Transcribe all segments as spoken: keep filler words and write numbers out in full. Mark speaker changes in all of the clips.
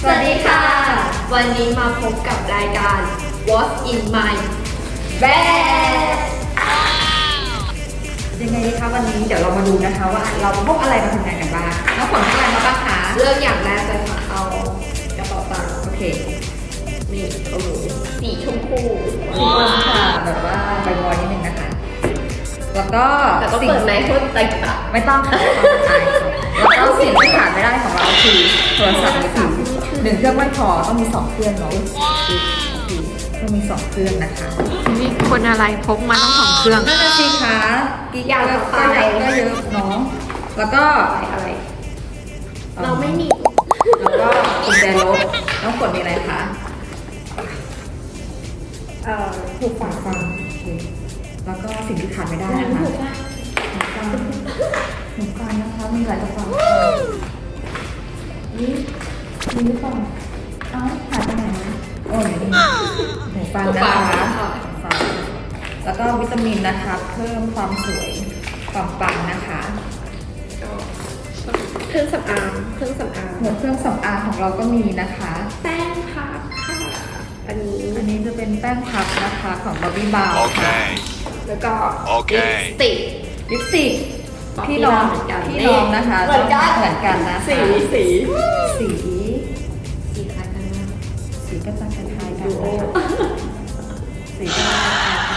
Speaker 1: สวัสดีค่ะ วันนี้มาพบกับรายการ What's in My Bag
Speaker 2: ยังไงคะวันนี้เดี๋ยวเรามาดูนะคะว่าเราพกอะไรมาทำงานกันบ้างน้องฝนพกอะไรมาบ้างคะ
Speaker 1: เรื่องอย่างแรกเลยค่ะเอากระเป๋าตังค์
Speaker 2: โอเค
Speaker 1: นี่โอ้โหสีชมพู
Speaker 2: สีฟ้าค่ะแบบว่าใบบอยนิดนึงนะคะ แล้วก็
Speaker 1: แต่ก็
Speaker 2: สิ่ง
Speaker 1: เปิดในหุ้นต่าง
Speaker 2: ไม่ต้องค่ะแล้วก็สิ่งที่ขาดไม่ได้ของเราคือโทรศัพท์มือถือหนึ่งเครื่องไม่พอต้องมีสองเครื่องเนาะต้องมีสองเครื่องนะคะ
Speaker 3: นี่คนอะไรพกมาต้องสองเครื่อง
Speaker 2: นั่นน่ะสิคะกิ๊กก็ก็เยอะก็เยอะเนาะแล้วก็
Speaker 1: ๆอะไร เราไม่มี
Speaker 2: แล้วก็กุญแจรถน้องฝนมีอะไรคะ
Speaker 1: เอ่อหูฟัง
Speaker 2: ฟังโอเคแล้วก็สิ่งที่ขาดไม่ได้นะคะ
Speaker 1: หูฟัง
Speaker 2: หูฟังหูฟังนะคะมีหลายกระเป๋านี่มีหรือเปล่าเอ้าหายไปไหนนะโอ้ยนี่หูฟังนะคะหูฟังแล้วก็วิตามินนะคะ เพิ่มความสวยความปังนะคะ
Speaker 1: เครื่องสำอางเครื่องสำอาง
Speaker 2: หัวเครื่องสำอางของเราก็มีนะคะ
Speaker 1: แป้งพับค่ะอันนี้
Speaker 2: อันนี้จะเป็นแป้งพับนะคะของบอบบี้บาวค่ะ
Speaker 4: Okay.
Speaker 1: แล้วก็
Speaker 4: โอเค
Speaker 1: ลิปสติก
Speaker 2: ลิปสติก
Speaker 1: บอก
Speaker 2: พี่น้อง
Speaker 1: พี่น้องเหมือนกัน
Speaker 2: พี่น้องนะคะ
Speaker 1: เหมือนกัน
Speaker 2: เหมือนกันนะคะ
Speaker 1: สีสี
Speaker 2: สี
Speaker 1: สีคล้ายกันมาก
Speaker 2: สีก็จะคล้ายๆกัน
Speaker 1: ดูโอ
Speaker 2: นะคะสีก็จะคล้ายๆกัน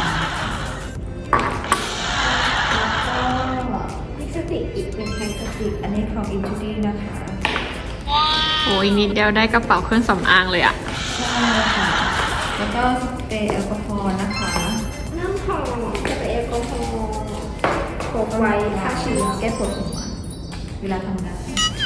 Speaker 2: แล้วก็
Speaker 1: ลิปสติกอีกหนึ่งแผ่นสติก
Speaker 2: อันนี้ของ อินทูดี้ นะคะ
Speaker 3: โอ้ยนิดเดียวได้กระเป๋าเครื่องสำอางเลยอะ
Speaker 2: ใช่ค่ะแล้วก็สเปรย์แอลกอฮอล์นะคะ
Speaker 1: น้ำหอมสเปรย์แอลกอฮอล์พกไว้ฆ่าเชื้อ
Speaker 2: แก้ปวดหัวเวลาทำงาน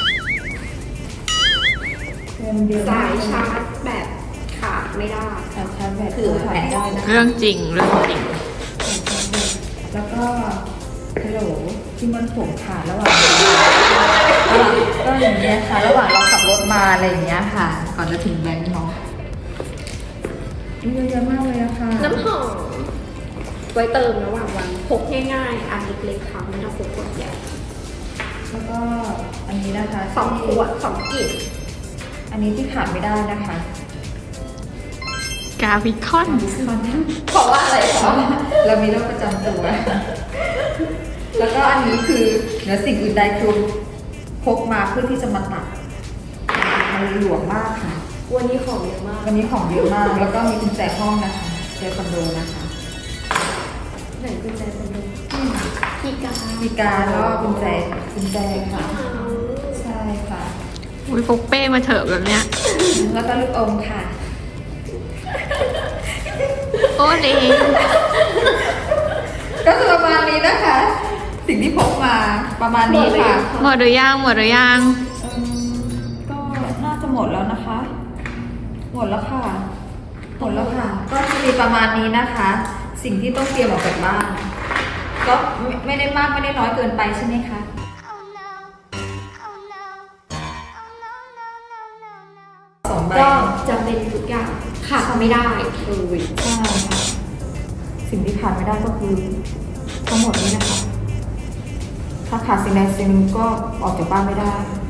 Speaker 2: เติมเดียว
Speaker 1: สายชาร์จแบบขาดไม่ได้
Speaker 2: สายชาร์จแบต
Speaker 1: คือ
Speaker 2: ถ่ายได้นะคะ
Speaker 3: เรื่องจริงเรื่องจริง
Speaker 2: แล้วก็ฮัลโหลที่มันผมขาดระหว่างก็อย่างเงี้ยค่ะระหว่างเราขับรถมาอะไรอย่างเงี้ยค่ะ ก่อนจะถึงแบงค์เนาะมีเยอะแยะมากเลยอะค่ะ
Speaker 1: น้ำหอมไว้เติมระหว่างวันพกง่ายๆอันเล็กๆค่ะไม่ต้องพกขวดใหญ่
Speaker 2: แล้วก็อันนี้นะคะ
Speaker 1: สองขวดสองกลิ่น
Speaker 2: อันนี้ที่ขาดไม่ได้นะคะ
Speaker 3: กาวิคอน
Speaker 1: เพราะว่าอะไร
Speaker 2: เพ
Speaker 1: คะ
Speaker 2: ราะว่าเรามีโรคประจำตัว แล้วก็อันนี้คือเหนือสิ่งอื่นใดคือพกมาเพื่อที่จะมาตัดมันหลวมมากค่ะ
Speaker 1: วันนี้ของเยอะมาก
Speaker 2: วันนี้ของเยอะมาก แล้วก็มีกุญแจห้องนะคะกุญแจคอนโดนะคะ
Speaker 1: ไหนกุญแจคอนโดคีย์การ์ด
Speaker 2: มีการแล้วก็กุญแจกุญแจค่ะ ใช่ค่ะ
Speaker 3: อุ้ยพกเป้มาเถอะแบบเนี้ย
Speaker 2: แล้วก็ลูกอมค่ะ
Speaker 3: โอ้เลย
Speaker 2: ก็จะประมาณนี้นะคะ สิ่งที่พกมาประมาณนี้ค่ะ
Speaker 3: หมดหรือยังหมดหรือยัง
Speaker 2: อืมก็น่าจะหมดแล้วนะคะ หมดแล้วค่ะ หมดแล้วค่ะ ก็จะมีประมาณนี้นะคะ สิ่งที่ต้องเตรียมออกจากบ้าน ก็ไม่ไม่ได้มากไม่ได้น้อยเกินไปใช่ไหมคะ
Speaker 5: Oh no. Oh no. Oh no, no, no, no, no.
Speaker 2: สองใบ
Speaker 1: ก็จะเป็นทุกอย่างขาดไม่ได้เลย
Speaker 2: ใช่ค่ะ สิ่งที่ขาดไม่ได้ก็คือทั้งหมดนี้นะคะ ถ้าขาดสิ่งใดสิ่งหนึ่งก็ออกจากบ้านไม่ได้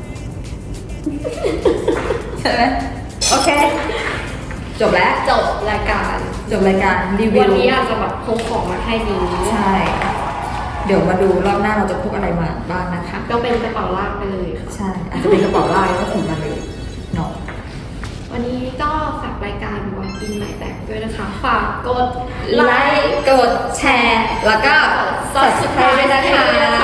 Speaker 2: ใช่ไหมโอเค จบแล้ว
Speaker 1: จบรายการ
Speaker 2: จบรายการรีวิว
Speaker 1: วันนี้อาจจะแบบพกของมาแค่นี้
Speaker 2: ใช่ เดี๋ยวมาดูรอบหน้าเราจะพกอะไรมาบ้างนะคะ
Speaker 1: ก็เป็นกระเป๋าลากไปเลยค่ะ
Speaker 2: ใช่ อาจจะเป็นกระเป๋าลายก็ถือมาเลยเนาะ
Speaker 1: วันนี้ก็ฝากรายการวันกินใหม่แตกด้วยนะคะ ฝากกด
Speaker 2: ไลค์ กดแชร์ แล้วก็
Speaker 1: subscribe ด้วยนะคะ